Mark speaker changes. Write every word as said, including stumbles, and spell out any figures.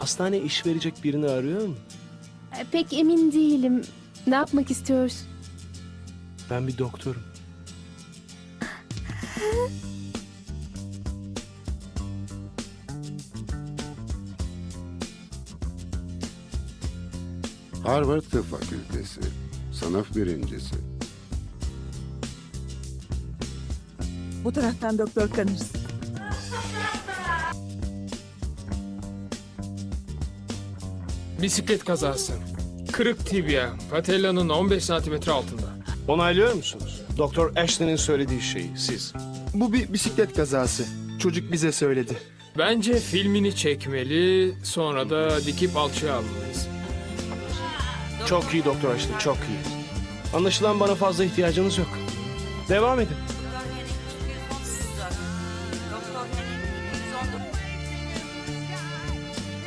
Speaker 1: hastane iş verecek birini arıyor mu?
Speaker 2: E, Pek emin değilim. Ne yapmak istiyorsun?
Speaker 1: Ben bir doktorum.
Speaker 3: Harvard Tıp Fakültesi. Sınıf birincisi.
Speaker 4: Bu taraftan Doktor Connors.
Speaker 5: Bisiklet kazası. Kırık tibia. Patellanın on beş santimetre altında.
Speaker 1: Onaylıyor musunuz? Doktor Ashton'in söylediği şeyi siz.
Speaker 6: Bu bir bisiklet kazası. Çocuk bize söyledi.
Speaker 5: Bence filmini çekmeli, sonra da dikip alçıya almalıyız.
Speaker 1: Çok iyi Doktor Ashton, çok iyi. Anlaşılan bana fazla ihtiyacınız yok. Devam edin.